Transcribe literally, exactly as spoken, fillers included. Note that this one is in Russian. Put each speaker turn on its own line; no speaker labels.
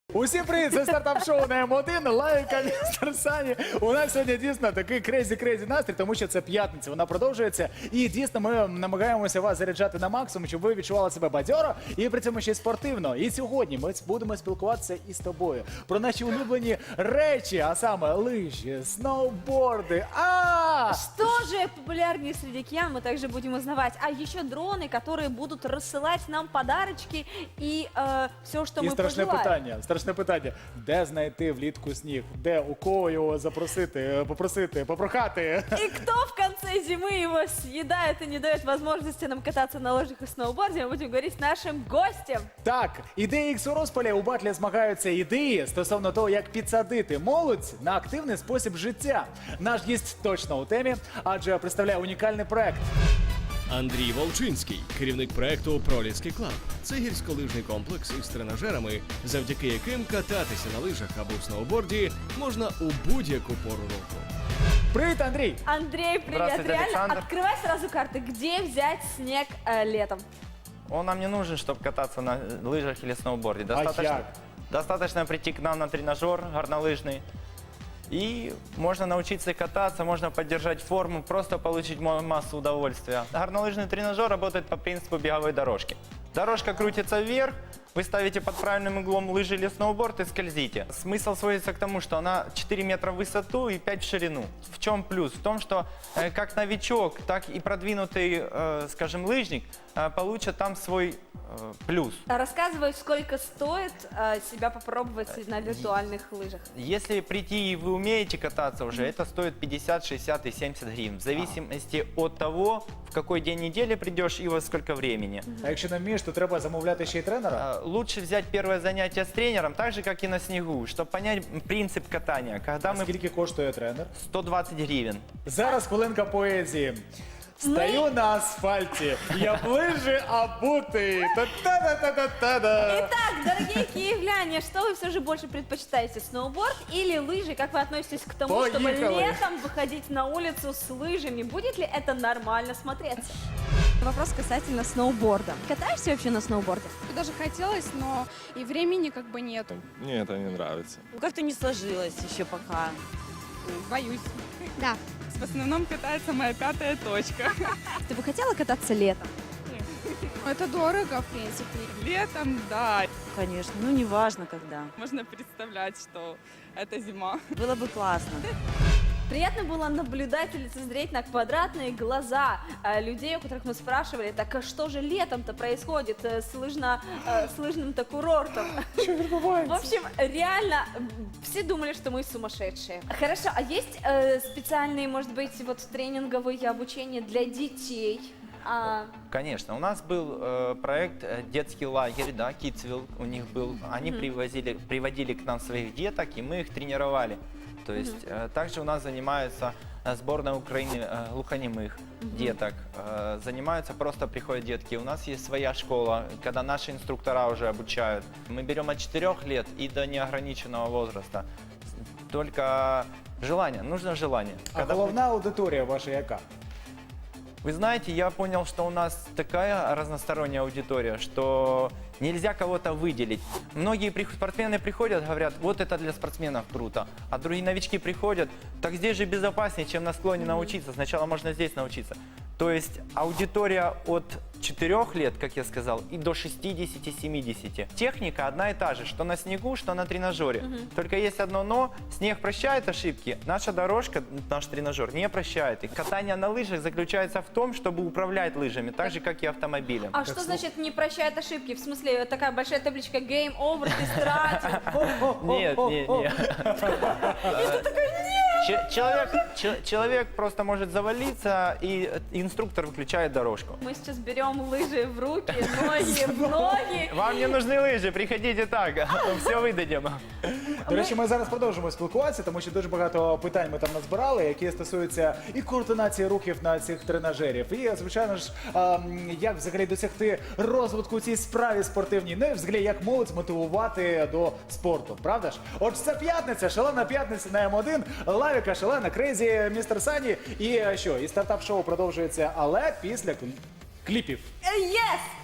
Усім привіт! Це стартап-шоу на М один, Лайка, містер Сані. У нас сьогодні дійсно такий крейзі-крейзі настрій, тому що це п'ятниця, вона продовжується. І дійсно ми намагаємося вас заряджати на максимум, щоб ви відчували себе бадьоро і при цьому ще й спортивно. І сьогодні ми будемо спілкуватися із тобою про наші улюблені речі, а саме лижі, сноуборди. А!
Что же популярнее среди киян, мы также будем узнавать. А еще дроны, которые будут рассылать нам подарочки и э, все, что
І
мы
страшне
пожелаем.
питання, страшне питання. Де знайти влітку сніг? Де, у кого його запросити, попросити, попрохати?
И кто в конце зимы его съедает и не дает возможности нам кататься на лыжах и сноуборде, мы будем говорить с нашим гостем.
Так, ідеї Ікс у розпалі у батлі змагаються ідеї стосовно того, як підсадити молодь на активний спосіб життя. Наш гість точно у темі, адже представляє унікальний проект.
Андрій Волчинський, керівник проекту «Проліски Клаб». Це гірськолижний комплекс із тренажерами, завдяки яким кататися на лижах або сноуборді можна у будь-яку пору року.
Привіт, Андрій!
Андрей, привет.
Здравствуйте,
Реально,
Александр.
открывай сразу карты. Где взять снег э, летом?
Он нам не нужен, чтобы кататься на лыжах или сноуборде.
А
Достаточно,
як?
достаточно прийти к нам на тренажер горнолыжный. И можно научиться кататься, можно поддержать форму, просто получить мо- массу удовольствия. Горнолыжный тренажер работает по принципу беговой дорожки. Дорожка крутится вверх, вы ставите под правильным углом лыжи или сноуборд и скользите. Смысл сводится к тому, что она четыре метра в высоту и пять в ширину. В чем плюс? В том, что э, как новичок, так и продвинутый, э, скажем, лыжник э, получат там свой э, плюс.
Рассказывай, сколько стоит э, себя попробовать на виртуальных лыжах.
Если прийти и вы умеете кататься уже, это стоит пятьдесят, шестьдесят и семьдесят гривен. В зависимости от того, в какой день недели придешь и во сколько времени.
А якщо не вмієш, то треба замовляти ще й тренера?
Э, Лучше взять первое занятие с тренером, так же, как и на снегу, чтобы понять принцип катания. Когда
А
мы...
скільки коштує тренер?
сто двадцать гривен.
Зараз хвилинка поезії. Стою на асфальті, я ближе обутий. Та-та-та-та-та-та.
Итак, дорогие киевляне, что вы все же больше предпочитаете, сноуборд или лыжи? Как вы относитесь к тому, чтобы
Поехали.
летом выходить на улицу с лыжами? Будет ли это нормально смотреться? Вопрос касательно сноуборда. Катаешься вообще на сноуборде?
Даже хотелось, но и времени как бы нету.
Мне это не нравится.
Ну, как-то не сложилось еще пока.
Боюсь.
Да.
В основном катается моя пятая точка.
Ты бы хотела кататься летом?
Это дорого, в принципе. Летом, да.
Конечно, ну не важно когда.
Можно представлять, что это зима.
Было бы классно.
Приятно было наблюдать и лицезреть на квадратные глаза э, людей, у которых мы спрашивали, так а что же летом-то происходит э, с, лыжно, э, с лыжным-то курортом? В общем, реально, м, все думали, что мы сумасшедшие. Хорошо, а есть э, специальные, может быть, вот тренинговые обучения для детей? А,
Конечно, у нас был э, проект э, детский лагерь, да, Kidsville у них был. Они привозили, приводили к нам своих деток, и мы их тренировали. То есть э, также у нас занимаются э, сборная Украины э, глухонемых деток. Э, занимаются, просто приходят детки. У нас есть своя школа, когда наши инструктора уже обучают. Мы берем от четырёх лет и до неограниченного возраста. Только желание, нужно желание.
А
Когда
головна аудиторія ваша яка?
Вы знаете, я понял, что у нас такая разносторонняя аудитория, что нельзя кого-то выделить. Многие при- спортсмены приходят, говорят, вот это для спортсменов круто. А другие новички приходят, так здесь же безопаснее, чем на склоне научиться. Сначала можно здесь научиться. То есть аудитория от четырёх лет, как я сказал, и до шестидесяти-семидесяти. Техника одна и та же, что на снегу, что на тренажере. Только есть одно но, снег прощает ошибки, наша дорожка, наш тренажер не прощает их. Катание на лыжах заключается в том, чтобы управлять лыжами, так же, как и автомобилем.
а что значит не прощает ошибки? В смысле, такая большая табличка «Game over», ты стратил.
Нет, нет, нет. Че- Человек, че- человек просто может завалиться, и инструктор выключает дорожку.
Мы сейчас берем лыжи в руки, ноги в ноги.
Вам не нужны лыжи, приходите так, все выдадим.
До речі, ми зараз продовжимо спілкуватися, тому що дуже багато питань ми там назбирали, які стосуються і координації рухів на цих тренажерів, і, звичайно ж, ем, як взагалі досягти розвитку у цій справі спортивній, ну і взагалі як молодь мотивувати до спорту, правда ж? Отже, це п'ятниця, шалена п'ятниця на М один, Лавіка, шалена, крейзі, містер Сані, і е, що, і стартап-шоу продовжується, але після кліпів.
Yes!